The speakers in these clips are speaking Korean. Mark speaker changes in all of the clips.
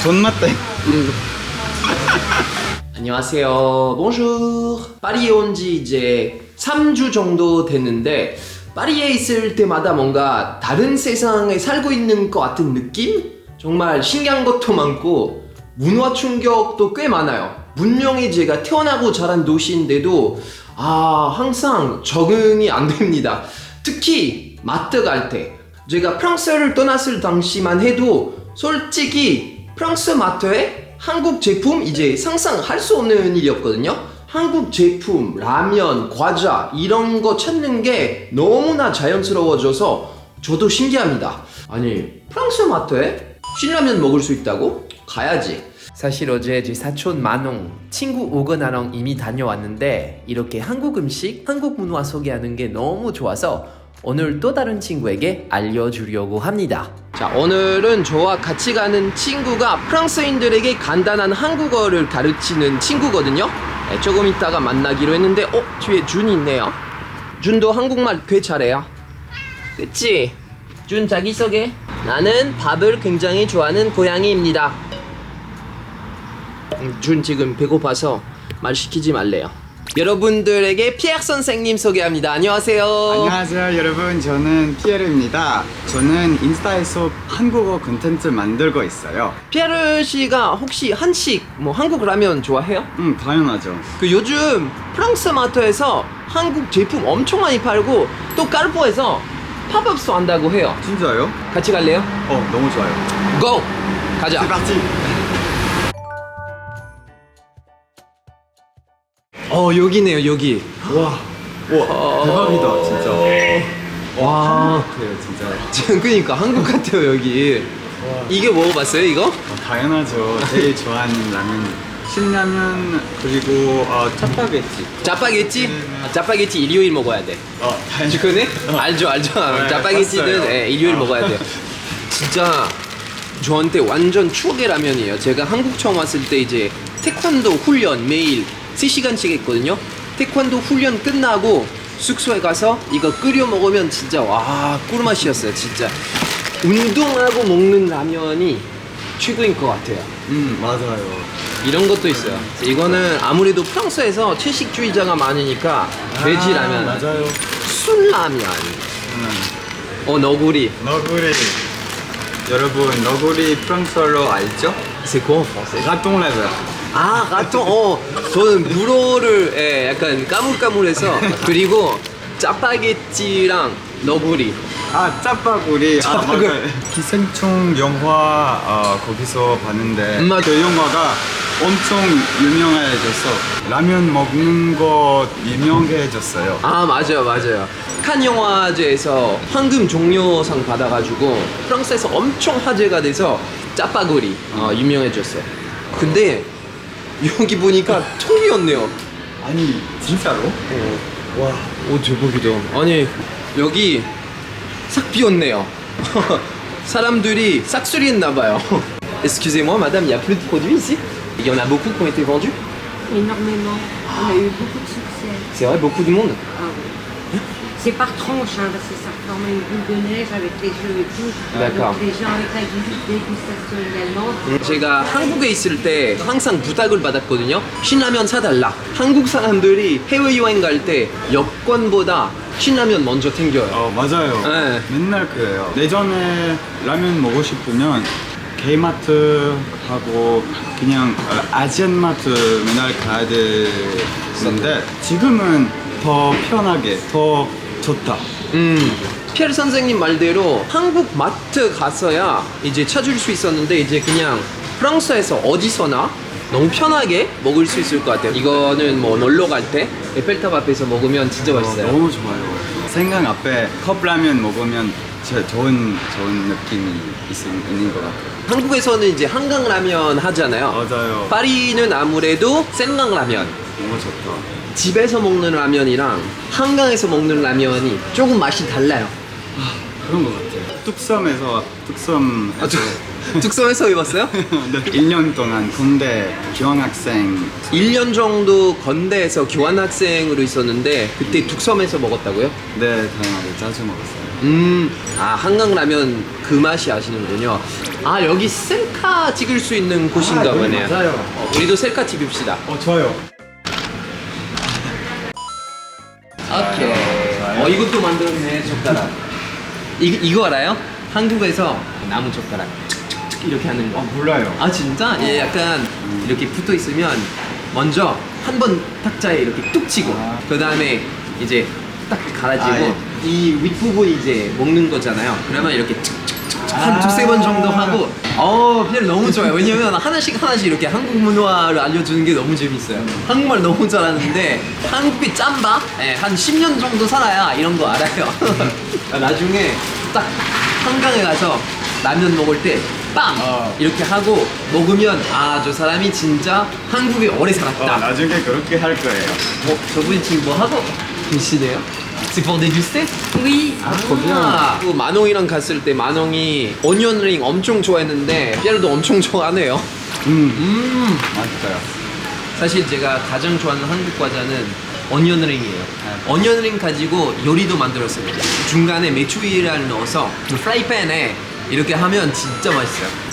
Speaker 1: 존맛대.
Speaker 2: 안녕하세요. Bonjour. 파리에 온 지 이제 3주 정도 됐는데 파리에 있을 때마다 뭔가 다른 세상에 살고 있는 것 같은 느낌? 정말 신기한 것도 많고 문화 충격도 꽤 많아요. 분명히 제가 태어나고 자란 도시인데도 항상 적응이 안 됩니다. 특히 마트 갈 때 제가 프랑스를 떠났을 당시만 해도 솔직히 프랑스 마트에 한국 제품 이제 상상할 수 없는 일이었거든요. 한국 제품, 라면, 과자 이런 거 찾는 게 너무나 자연스러워져서 저도 신기합니다. 아니 프랑스 마트에 신라면 먹을 수 있다고? 가야지. 사실 어제 제 사촌 만홍 친구 오거나랑 이미 다녀왔는데 이렇게 한국 음식, 한국 문화 소개하는 게 너무 좋아서 오늘 또 다른 친구에게 알려주려고 합니다. 자, 오늘은 저와 같이 가는 친구가 프랑스인들에게 간단한 한국어를 가르치는 친구거든요. 네, 조금 이따가 만나기로 했는데 뒤에 준이 있네요. 준도 한국말 꽤 잘해요. 그치? 준 자기소개. 나는 밥을 굉장히 좋아하는 고양이입니다. 준 지금 배고파서 말 시키지 말래요. 여러분들에게 피에르 선생님 소개합니다. 안녕하세요.
Speaker 1: 안녕하세요 여러분, 저는 피에르입니다. 저는 인스타에서 한국어 콘텐츠 만들고 있어요.
Speaker 2: 피에르 씨가 혹시 한식, 한국 라면 좋아해요?
Speaker 1: 당연하죠.
Speaker 2: 요즘 프랑스 마트에서 한국 제품 엄청 많이 팔고 또 까르포에서 팝업도 한다고 해요.
Speaker 1: 진짜요?
Speaker 2: 같이 갈래요?
Speaker 1: 너무 좋아요.
Speaker 2: 고! 가자.
Speaker 1: C'est parti.
Speaker 2: 여기네요, 여기.
Speaker 1: 와 대박이다 진짜.
Speaker 2: 와,
Speaker 1: 그래요 진짜.
Speaker 2: 지금 그니까 한국 같아요, 여기. 이게 먹어봤어요, 이거?
Speaker 1: 당연하죠. 제일 좋아하는 라면 신라면, 그리고 짜파게티.
Speaker 2: 짜파게티? 짜파게티 일요일 먹어야 돼.
Speaker 1: 당연히.
Speaker 2: 그거네? 알죠. 짜파게티는
Speaker 1: 봤어요.
Speaker 2: 일요일 먹어야 돼요. 진짜 저한테 완전 추억의 라면이에요. 제가 한국 처음 왔을 때 이제 태권도 훈련 매일 3시간씩 했거든요. 태권도 훈련 끝나고 숙소에 가서 이거 끓여 먹으면 진짜 꿀맛이었어요. 진짜 운동하고 먹는 라면이 최고인 것 같아요.
Speaker 1: 맞아요.
Speaker 2: 이런 것도 있어요. 이거는 아무래도 프랑스에서 채식주의자가 많으니까 돼지 라면,
Speaker 1: 맞아요.
Speaker 2: 순라면, 너구리.
Speaker 1: 너구리. 여러분 너구리 프랑스어로 알죠?
Speaker 2: C'est quoi en français?
Speaker 1: 라똥 레벨.
Speaker 2: 가통. 저는 불어를 약간 까물까물해서. 그리고 짜파게티랑 너구리.
Speaker 1: 짜파구리. 맞아요. 기생충 영화 거기서 봤는데 그 영화가 엄청 유명해져서 라면 먹는 거 유명해졌어요.
Speaker 2: 맞아요. 칸 영화제에서 황금 종려상 받아가지고 프랑스에서 엄청 화제가 돼서 짜파구리 유명해졌어요. 근데 여기 보니까 통이었네요.
Speaker 1: 아니 진짜로? 와.
Speaker 2: 대박이다. 아니 여기 싹 비었네요. 사람들이 싹쓸이 했나봐요. Excusez-moi madame, il y a plus de produits ici? Il y en a beaucoup qui ont été vendus?
Speaker 3: Énormément. On a eu beaucoup de succès.
Speaker 2: C'est vrai, beaucoup de monde?
Speaker 3: Oui. C'est par tranche, parce que ça forme une boule de neige avec les jeux et tout.
Speaker 2: D'accord.
Speaker 3: Donc les gens avec la dégustation également.
Speaker 2: 제가 한국에 있을 때 항상 부탁을 받았거든요. 신라면 사달라. 한국 사람들이 해외여행 갈 때 여권보다 신라면 먼저 챙겨요.
Speaker 1: 맞아요.
Speaker 2: 네.
Speaker 1: 맨날 그래요. 예전에 라면 먹고 싶으면 K마트 하고 그냥 아시안마트 맨날 가야 되는데 지금은 더 편하게, 더 좋다.
Speaker 2: 피에르 선생님 말대로 한국 마트 가서야 이제 찾을 수 있었는데 이제 그냥 프랑스에서 어디서나 너무 편하게 먹을 수 있을 것 같아요. 이거는 놀러 갈 때 에펠탑 앞에서 먹으면 진짜 맛있어요.
Speaker 1: 너무 좋아요. 생강 앞에 컵라면 먹으면 진짜 좋은 느낌이 있는 것 같아요.
Speaker 2: 한국에서는 이제 한강라면 하잖아요.
Speaker 1: 맞아요.
Speaker 2: 파리는 아무래도 생강라면.
Speaker 1: 너무 좋다.
Speaker 2: 집에서 먹는 라면이랑 한강에서 먹는 라면이 조금 맛이 달라요.
Speaker 1: 그런 것 같아요. 뚝섬에서
Speaker 2: 뚝섬에서 입었어요?
Speaker 1: 네. 1년 동안 군대 교환학생
Speaker 2: 1년 정도 건대에서 교환학생으로 있었는데 그때 뚝섬에서 먹었다고요?
Speaker 1: 네 다양하게 자주 먹었어요.
Speaker 2: 아 한강라면 그 맛이 아시는군요. 아 여기 셀카 찍을 수 있는 곳인가 보네요.
Speaker 1: 맞아요.
Speaker 2: 우리도 셀카 찍읍시다.
Speaker 1: 좋아요.
Speaker 2: 오케이. 이것도 만들었네 젓가락. 이거 알아요? 한국에서 나무 젓가락 툭툭툭 이렇게 하는 거.
Speaker 1: 몰라요.
Speaker 2: 아 진짜? 예, 약간 이렇게 붙어 있으면 먼저 한 번 탁자에 이렇게 뚝 치고 그 다음에 이제 딱 갈아지고
Speaker 1: 아, 예.
Speaker 2: 이 윗부분 이제 먹는 거잖아요. 그러면 이렇게 한 두세 번 정도 하고 그냥 너무 좋아요. 왜냐면 하나씩 이렇게 한국 문화를 알려주는 게 너무 재밌어요. 한국말 너무 잘하는데 한국이 짬바? 예, 한 10년 정도 살아야 이런 거 알아요. 나중에 딱 한강에 가서 라면 먹을 때 빵! 이렇게 하고 먹으면 아 저 사람이 진짜 한국에 오래 살았다.
Speaker 1: 나중에 그렇게 할 거예요.
Speaker 2: 저분이 지금 뭐 하고 계시네요? C'est pour déguster?
Speaker 3: Oui.
Speaker 2: 그 만홍이랑 갔을 때 만홍이 오니언링 엄청 좋아했는데 피에르도 엄청 좋아하네요.
Speaker 1: 맛있어요.
Speaker 2: 사실 제가 가장 좋아하는 한국 과자는 오니언링이에요. 오니언링 가지고 요리도 만들었어요. 중간에 메추리알 넣어서 그 프라이팬에 이렇게 하면 진짜 맛있어요.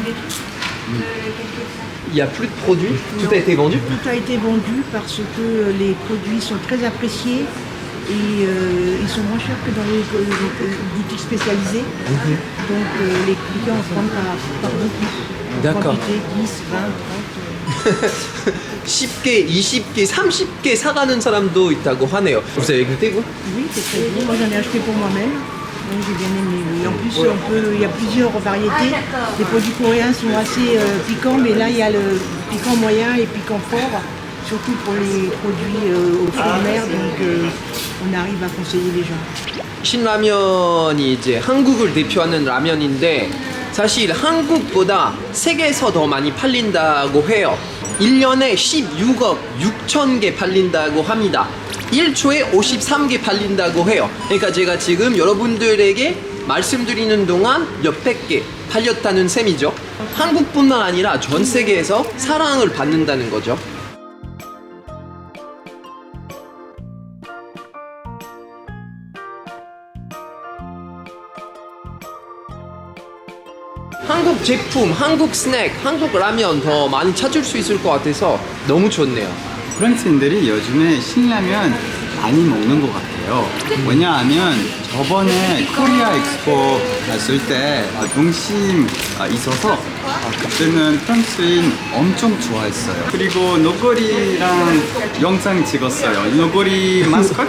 Speaker 2: Il y a plus de produits? Tout a été vendu?
Speaker 4: Tout a été vendu parce que les produits sont très appréciés et ils sont moins chers que dans les boutiques spécialisées. Donc les clients en prennent par beaucoup. En
Speaker 2: D'accord.
Speaker 4: quantité 10, 20, 30.
Speaker 2: 10개, 20개, 30개 사가는 사람도 있다고 하네요. Vous avez goûté vous?
Speaker 4: Oui, c'est très bon. Moi j'en ai acheté pour moi-même. Donc j'ai bien aimé. Oui. En plus, il y a plusieurs variétés. Les produits coréens sont assez piquants, mais là il y a le piquant moyen et piquant fort, surtout pour les produits aux fruits de mer. Donc on arrive à conseiller les gens.
Speaker 2: 신라면이 이제 한국을 대표하는 라면인데 사실 한국보다 세계에서 더 많이 팔린다고 해요. 1년에 16억 6천 개 팔린다고 합니다. 1초에 53개 팔린다고 해요. 그러니까 제가 지금 여러분들에게 말씀드리는 동안 몇백 개 팔렸다는 셈이죠. 한국뿐만 아니라 전 세계에서 사랑을 받는다는 거죠. 한국 제품, 한국 스낵, 한국 라면 더 많이 찾을 수 있을 것 같아서 너무 좋네요.
Speaker 1: 프랑스인들이 요즘에 신라면 많이 먹는 것 같아요. 왜냐하면 저번에 코리아 엑스포 갔을 때 동심 있어서 그때는 프랑스인 엄청 좋아했어요. 그리고 노거리랑 영상 찍었어요. 노거리 마스코트?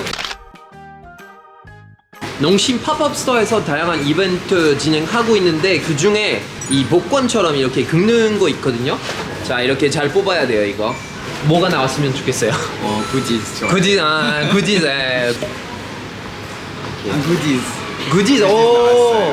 Speaker 2: 농심 팝업 스토어에서 다양한 이벤트 진행하고 있는데 그 중에 이 복권처럼 이렇게 긁는 거 있거든요. 자 이렇게 잘 뽑아야 돼요 이거. 뭐가 나왔으면 좋겠어요.
Speaker 1: 굿즈.
Speaker 2: 굿즈, 굿즈,
Speaker 1: 굿즈.
Speaker 2: 굿즈, 오,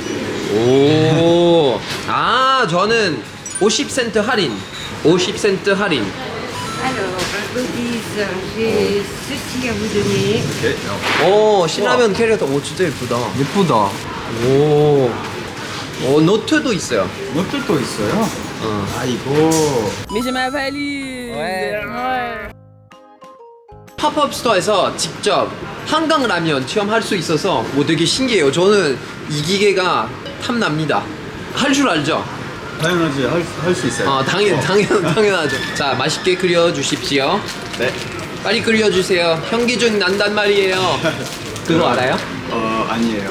Speaker 2: 오, 저는 50센트 할인, 50센트 할인.
Speaker 3: Alors, goodies, j'ai ceci à vous donner.
Speaker 2: 오, 신라면 캐릭터, 오 진짜 예쁘다.
Speaker 1: 예쁘다.
Speaker 2: 오, 노트도 있어요.
Speaker 1: 노트도 있어요. 아이고.
Speaker 5: Mais j'ai ma valise. Ouais.
Speaker 2: 팝업 스토어에서 직접 한강 라면 체험할 수 있어서 되게 신기해요. 저는 이 기계가 탐납니다. 할 줄 알죠?
Speaker 1: 당연하지 할 수 있어요.
Speaker 2: 당연하죠. 자, 맛있게 끓여 주십시오.
Speaker 1: 네.
Speaker 2: 빨리 끓여 주세요. 현기증 난단 말이에요. 그거 알아요?
Speaker 1: 아니에요.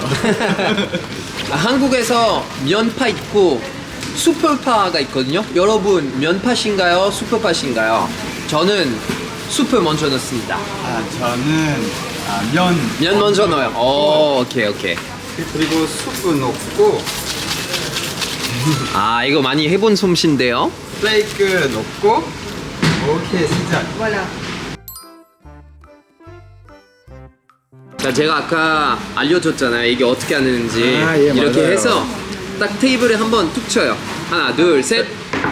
Speaker 2: 한국에서 면파 있고 수프파가 있거든요. 여러분 면파신가요? 수프파신가요? 저는 수프 먼저 넣습니다.
Speaker 1: 저는
Speaker 2: 면 먼저 넣어요. 오케이.
Speaker 1: 그리고 수프 넣고
Speaker 2: 이거 많이 해본 솜씨인데요.
Speaker 1: 플레이크 넣고 오케이 시작.
Speaker 4: Voilà.
Speaker 2: 자, 제가 아까 알려줬잖아요. 이게 어떻게 하는지.
Speaker 1: 예,
Speaker 2: 이렇게
Speaker 1: 맞아요.
Speaker 2: 해서 딱 테이블에 한번 툭 쳐요. 하나, 둘, 셋.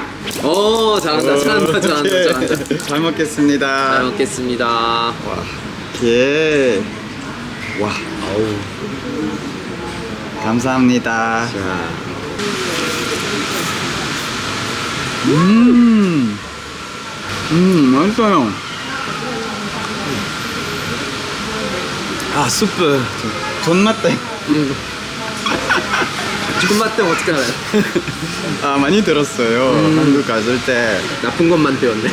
Speaker 2: 잘한다.
Speaker 1: 잘 먹겠습니다.
Speaker 2: 잘 먹겠습니다.
Speaker 1: 예. 와. 아우. 감사합니다.
Speaker 2: 자,
Speaker 1: 맛있어요. 아, 수프. 존맛 땡.
Speaker 2: 존맛 때 어떻게 알아요?
Speaker 1: 아, 많이 들었어요. 한국 갔을 때.
Speaker 2: 나쁜 것만 배웠네.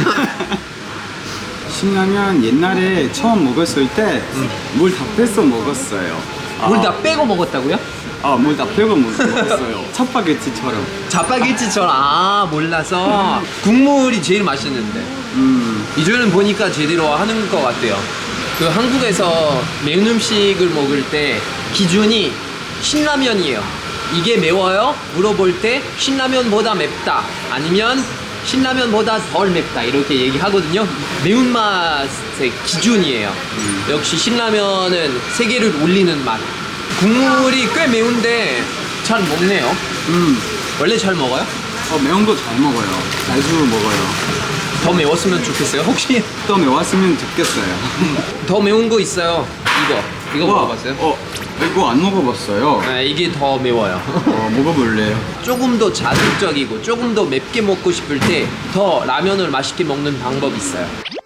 Speaker 1: 신라면 옛날에 처음 먹었을 때 물 다 빼서 먹었어요.
Speaker 2: 물 다 빼고 먹었다고요?
Speaker 1: 물 다 빼고 먹었어요. 차파게티처럼.
Speaker 2: 자파게티처럼. 아, 몰라서. 국물이 제일 맛있는데. 이제는 보니까 제대로 하는 것 같아요. 그 한국에서 매운 음식을 먹을 때 기준이 신라면이에요. 이게 매워요? 물어볼 때 신라면보다 맵다. 아니면 신라면보다 덜 맵다. 이렇게 얘기하거든요. 매운맛의 기준이에요. 역시 신라면은 세계를 울리는 맛. 국물이 꽤 매운데 잘 먹네요. 원래 잘 먹어요?
Speaker 1: 매운 거 잘 먹어요. 자주 먹어요.
Speaker 2: 더 매웠으면 좋겠어요. 혹시
Speaker 1: 또 매웠으면 좋겠어요.
Speaker 2: 더 매운 거 있어요. 이거
Speaker 1: 우와,
Speaker 2: 먹어봤어요?
Speaker 1: 이거 안 먹어봤어요.
Speaker 2: 네, 이게 더 매워요.
Speaker 1: 먹어볼래요?
Speaker 2: 조금 더 자극적이고 조금 더 맵게 먹고 싶을 때 더 라면을 맛있게 먹는 방법이 있어요.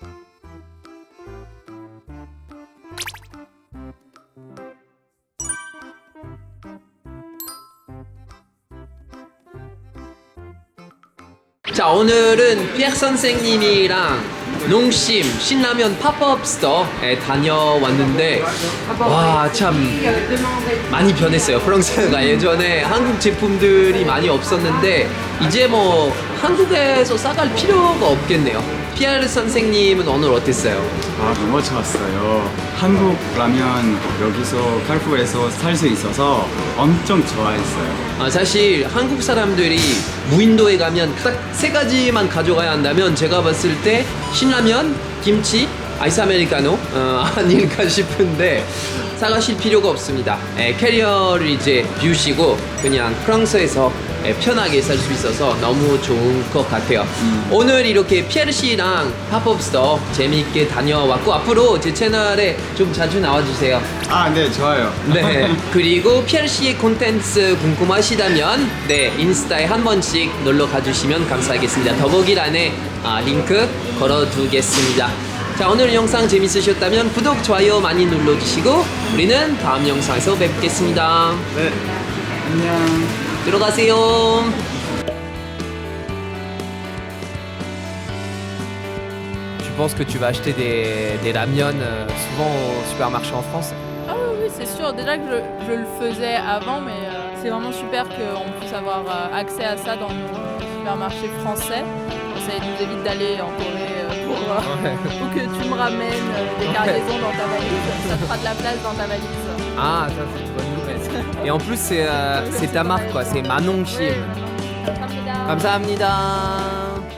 Speaker 2: 자, 오늘은 피에르 선생님이랑 농심 신라면 팝업 스토어에 다녀왔는데 와, 참 많이 변했어요. 프랑스가 예전에 한국 제품들이 많이 없었는데 이제 뭐 한국에서 싸갈 필요가 없겠네요. 피에르 선생님은 오늘 어땠어요?
Speaker 1: 너무 좋았어요. 한국 라면 여기서 칼푸에서 살 수 있어서 엄청 좋아했어요.
Speaker 2: 사실 한국 사람들이 무인도에 가면 딱 세 가지만 가져가야 한다면 제가 봤을 때 신라면, 김치, 아이스 아메리카노 아닐까 싶은데 사가실 필요가 없습니다. 캐리어를 이제 비우시고 그냥 프랑스에서 편하게 살 수 있어서 너무 좋은 것 같아요. 오늘 이렇게 피에르 씨랑 팝업 스토어 재미있게 다녀왔고 앞으로 제 채널에 좀 자주 나와주세요.
Speaker 1: 네, 좋아요.
Speaker 2: 네. 그리고 피에르 씨의 콘텐츠 궁금하시다면 인스타에 한 번씩 놀러 가주시면 감사하겠습니다. 더보기란에 링크 걸어두겠습니다. 자, 오늘 영상 재밌으셨다면 구독, 좋아요 많이 눌러주시고 우리는 다음 영상에서 뵙겠습니다.
Speaker 1: 네, 안녕.
Speaker 2: 들어가세요.
Speaker 6: Tu penses que tu vas acheter des ramyeon souvent au supermarché en France?
Speaker 5: Ah oui, oui, c'est sûr. Déjà que je le faisais avant, mais c'est vraiment super qu'on puisse avoir accès à ça dans nos supermarchés français. Ça nous évite d'aller en Corée pour que tu me ramènes des cargaisons dans ta valise. Ça te fera de la place dans ta valise.
Speaker 6: Ah, ça c'est une bonne nouvelle. Et en plus c'est ta marque quoi, c'est Manon Chim.
Speaker 5: 감사합니다.
Speaker 6: 감사합니다.